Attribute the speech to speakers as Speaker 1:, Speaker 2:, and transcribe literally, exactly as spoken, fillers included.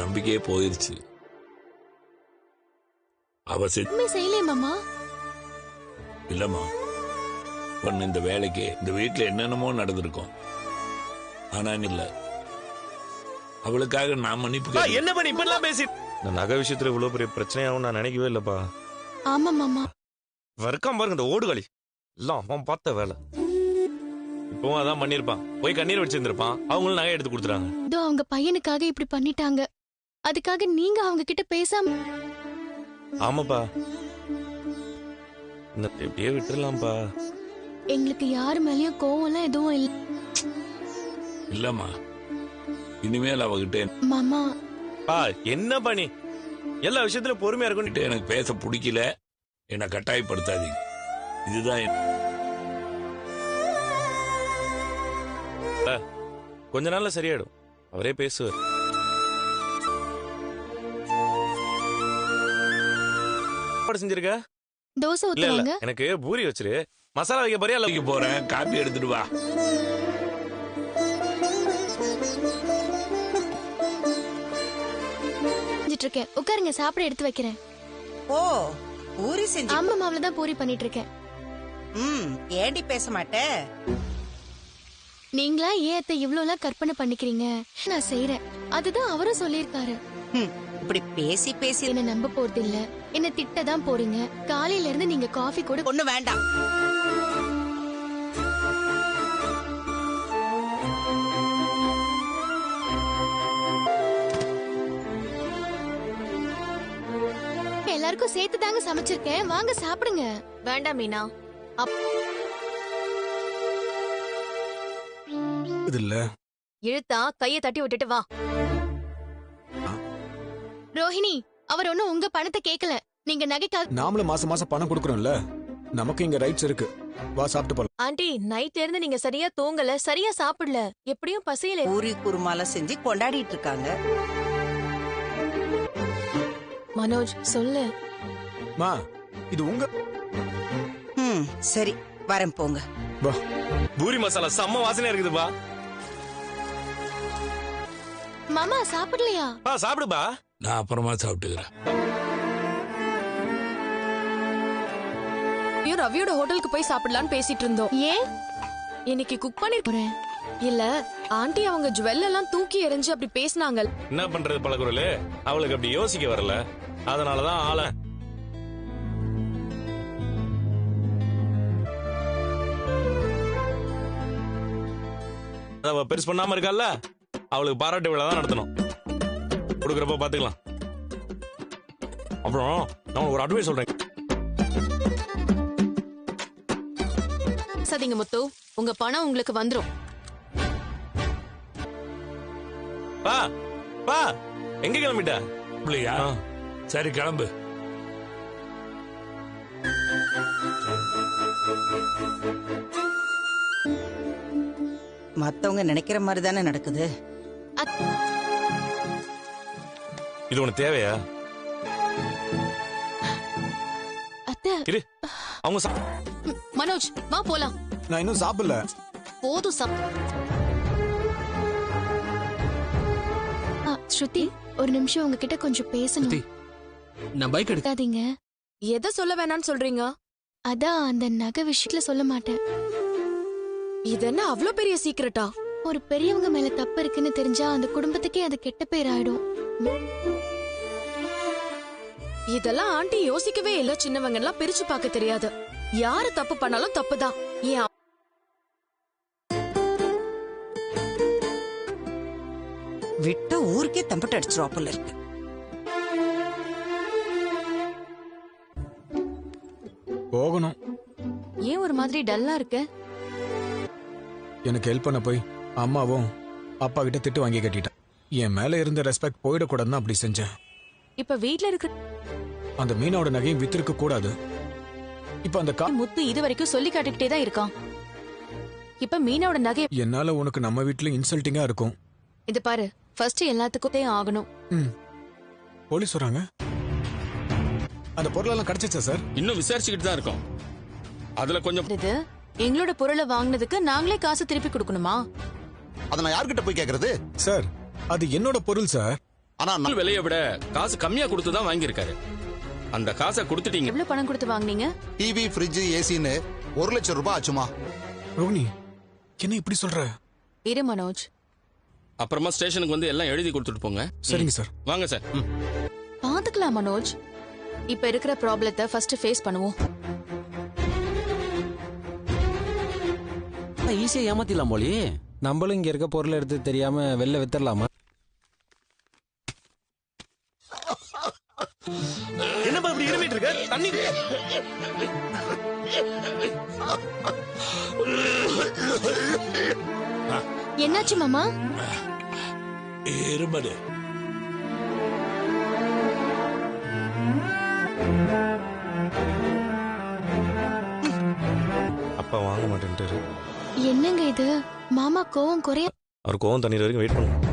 Speaker 1: நம்பிக்கையே போயிருச்சு. அவ
Speaker 2: செய்யலே மாமா.
Speaker 1: இல்லம்மா, பொண்ணு இந்த வேலைக்கு இந்த வீட்டுல என்னென்னமோ நடந்திருக்கும். ஆனா இல்ல, அவளுக்காக நான் மன்னிப்பு.
Speaker 3: என்ன பண்ணி இப்பெல்லாம் பேசி இந்த நகை விஷயத்துல இவ்வளவு பெரிய பிரச்சனையாவும் நான் நினைக்கவே இல்லப்பா.
Speaker 2: ஆமா மாமா.
Speaker 3: வர்க்கம் பாருங்க இந்த ஓடுகளி எல்லாம் அவன் பார்த்த வேலை. இப்பவும் அதான் பண்ணிருப்பான். போய் கண்ணீர் வச்சிருந்திருப்பான். அவங்களும் நகை எடுத்து கொடுத்துறாங்க.
Speaker 2: இதோ அவங்க பையனுக்காக இப்படி பண்ணிட்டாங்க. அதுக்காக நீங்க அவங்க கிட்ட பேசாம.
Speaker 3: ஆமாப்பா, எப்படியே விட்டுறலாம்ப்பா.
Speaker 2: எங்களுக்கு யாரு மேலயும் கோவம் எல்லாம் எதுவும் இல்ல.
Speaker 1: இல்லம்மா, இனிமேல் அவகிட்ட
Speaker 2: மாமா
Speaker 3: பா என்ன பண்ணி எல்லா விஷயத்திலும் பொறுமையா இருக்கும்.
Speaker 1: எனக்கு பேச பிடிக்கல, என்னை கட்டாயப்படுத்தாதீங்க. இதுதான்
Speaker 3: கொஞ்ச நாள்ல சரியாயிடும். அவரே பேசுவார். செஞ்சிருக்க
Speaker 2: தோசை ஊத்துவாங்க.
Speaker 3: எனக்கு பூரி வச்சிரு. மசாலா வைக்க போறியா?
Speaker 1: வைக்க போறேன். காப்பி எடுத்துட்டு வா.
Speaker 2: இருக்கேன். உட்காருங்க, சாப்பிட எடுத்து வைக்கிறேன்.
Speaker 4: ஓ, பூரி செஞ்சு.
Speaker 2: ஆமா, மாவுல தான் பூரி பண்ணிட்டு இருக்கேன்.
Speaker 4: ம், ஏண்டி பேச மாட்டே?
Speaker 2: நீங்களா ஏன் அத்தை இவ்ளோ எல்லாம் கற்பனை பண்ணிக்கிறீங்க? நான் செய்யறேன். அதுதான் அவரும் சொல்லியிருக்காரு.
Speaker 4: இப்படி பேசி பேசி
Speaker 2: என்ன நம்ப போறது இல்ல. என்ன திட்ட தான் போறீங்க. காலையில இருந்து நீங்க காஃபி கூட
Speaker 4: ஒண்ணு வேண்டாம்.
Speaker 2: எல்லாருக்கும் சேர்த்து தாங்க சமைச்சிருக்கேன். வாங்க சாப்பிடுங்க.
Speaker 5: வேண்டாம் மீனா.
Speaker 6: இல்ல
Speaker 5: இழுத்தா கையை தட்டி விட்டுட்டு வா.
Speaker 2: ரோஹிணி, அவர் ஒண்ணும் உங்க பணத்தை கேட்கல. நீங்க நகைக்காக
Speaker 6: நாமளும் மாசம் மாசம் பணம் கொடுக்கறோம்ல. நமக்கு இங்க ரைட்ஸ் இருக்கு. வா சாப்பிட்டு போலாம்.
Speaker 5: ஆண்டி, நைட்ல இருந்து நீங்க சரியா தூங்கல, சரியா சாப்பிடல. எப்படியும் பசியில.
Speaker 4: பூரி குருமால செஞ்சு கொண்டாடிட்டு இருக்காங்க.
Speaker 5: மனோஜ் சொல்லு.
Speaker 6: மா, இது உங்க.
Speaker 4: ம், சரி வரேன், போங்க.
Speaker 6: வா.
Speaker 3: பூரி மசாலா செம்ம வாசனையா இருக்குதுப்பா.
Speaker 2: மாமா சாப்பிடலையா?
Speaker 3: பா சாப்பிடுப்பா.
Speaker 1: நான் அப்புறமா சாப்பிட்டுக்கிறேன்.
Speaker 5: ரவியோட ஹோட்டலுக்கு போய் சாப்பிடலான்னு பேசிட்டு இருந்தோம்.
Speaker 2: ஏன்?
Speaker 5: இன்னைக்கு குக் பண்ணிருக்கேன். இல்ல ஆண்டி அவங்க ஜுவல் எல்லாம் தூக்கி எறிஞ்சு அப்படி பேசினாங்க.
Speaker 3: என்ன பண்றது பழகுறலே, அவளுக்கு அப்படி யோசிக்க வரல. அதனாலதான் ஆள அவ பெருசு பண்ணாம இருக்கல்ல. அவளுக்கு பாராட்டு விழா தான் நடத்தணும். கொடுக்கறப்ப பாத்துக்கலாம். அப்புறம் நான் ஒரு அட்வைஸ் சொல்றேன்.
Speaker 5: சதிங்க முத்து, உங்க பணம் உங்களுக்கு வந்துரும்.
Speaker 3: பா பா எங்க கிளம்பிட்ட?
Speaker 1: இல்லையா? சரி கிளம்பு.
Speaker 4: மத்தவங்க நினைக்கிற மாதிரி தானே நடக்குது.
Speaker 3: இது உனக்கு தேவையா?
Speaker 2: அத்தை,
Speaker 3: அவங்க
Speaker 5: மனோஜ் வா போலாம்.
Speaker 6: நான் இன்னும் சாப்பிடல.
Speaker 5: போதும் சாப்.
Speaker 2: ஸ்ருதி, ஒரு நிமிஷம் உங்ககிட்ட கொஞ்சம் பேசணும்.
Speaker 7: நான் பைக் எடுக்காதீங்க.
Speaker 5: எதை சொல்ல வேணாம்னு சொல்றீங்க?
Speaker 2: அதான் அந்த நகை விஷயத்துல சொல்ல மாட்டேன்.
Speaker 5: இது என்ன அவ்ளோ பெரிய சீக்ரெட்டா?
Speaker 2: ஒரு பெரியவங்க மேல தப்பு இருக்குன்னு தெரிஞ்சா அந்த குடும்பத்துக்கே அது கெட்ட பேர் ஆயிடும்.
Speaker 5: இதெல்லாம் ஆண்டி யோசிக்கவே இல்ல. சின்னவங்க எல்லாம் பிரிச்சு பார்க்க தெரியாது. யாரு தப்பு பண்ணாலும் தப்புதான். ஏன்
Speaker 4: விட்ட ஊருக்கே தம்பிட்டு அடிச்சிருவாப்புல இருக்கு.
Speaker 6: போகணும்.
Speaker 5: ஏன் ஒரு மாதிரி டல்லா இருக்கு?
Speaker 6: எனக்கு ஹெல்ப் பண்ண போய் அம்மாவும் அப்பா கிட்ட திட்டு வாங்கி கட்டிட்டேன். என் மேல இருந்த ரெஸ்பெக்ட் போயிடக்கூடாதுன்னு அப்படி செஞ்சேன்.
Speaker 5: இப்ப வீட்ல இருக்க
Speaker 6: அந்த மீனோட நகையும் வித்திருக்க கூடாது. இப்ப அந்த கா
Speaker 5: முத்து இது வரைக்கும் சொல்லி காட்டிக்கிட்டே தான் இருக்கான். இப்ப மீனோட நகை
Speaker 6: என்னால உனக்கு நம்ம வீட்டுல இன்சல்ட்டிங்கா இருக்கும்.
Speaker 5: இது பாரு, ஃபர்ஸ்ட் எல்லாத்துக்கும் ஆகணும்.
Speaker 6: ம், போலீஸ் வராங்க. அந்த பொருளெல்லாம் கிடைச்சிச்சா சார்?
Speaker 7: இன்னும் விசாரிச்சுக்கிட்டு தான் இருக்கோம். அதுல கொஞ்சம்
Speaker 5: இது எங்களோட பொருளை வாங்கினதுக்கு நாங்களே காசு திருப்பி கொடுக்கணுமா?
Speaker 8: அத நான் யார்கிட்ட போய் கேக்குறது?
Speaker 6: சார், அது என்னோட பொருள் சார்.
Speaker 8: ஆனா நான்
Speaker 7: நாள் விலையை விட காசு கம்மியா கொடுத்து தான் வாங்கியிருக்காரு. அந்த காசை கொடுத்துட்டீங்க.
Speaker 5: எவ்வளவு பணம் கொடுத்து வாங்குனீங்க?
Speaker 8: டிவி ஃப்ரிட்ஜ் ஏசின்னு ஒரு லட்சம் ரூபாய் ஆச்சுமா.
Speaker 6: ரோகிணி என்ன இப்படி சொல்ற?
Speaker 5: இரு மனோஜ்,
Speaker 7: அப்புறமா ஸ்டேஷனுக்கு வந்து எல்லாம் எழுதி கொடுத்துட்டு போங்க.
Speaker 6: சரிங்க சார்.
Speaker 7: வாங்க சார். ம்.
Speaker 5: பாத்துக்கலாம் மனோஜ். இப்ப இருக்கிற ப்ராப்ளத்தை ஃபர்ஸ்ட் ஃபேஸ் பண்ணுவோம்.
Speaker 9: ஈஸியா ஏமாத்திடலாம் போலி.
Speaker 10: நம்மளும் இங்க இருக்க பொருள் எடுத்து தெரியாம வெளில வித்தரலாமா?
Speaker 3: என்னப்பா இப்படி இருமிட்டு இருக்க? தண்ணி
Speaker 2: என்னாச்சு மாமா?
Speaker 1: இருமடு.
Speaker 3: அப்பா வாங்க மாட்டேன்ட்டாரு.
Speaker 2: என்னங்க இது? மாமா கோவம் குறைய
Speaker 3: அவர் கோவம் தண்ணீர் வரைக்கும் வெயிட் பண்ணுங்க.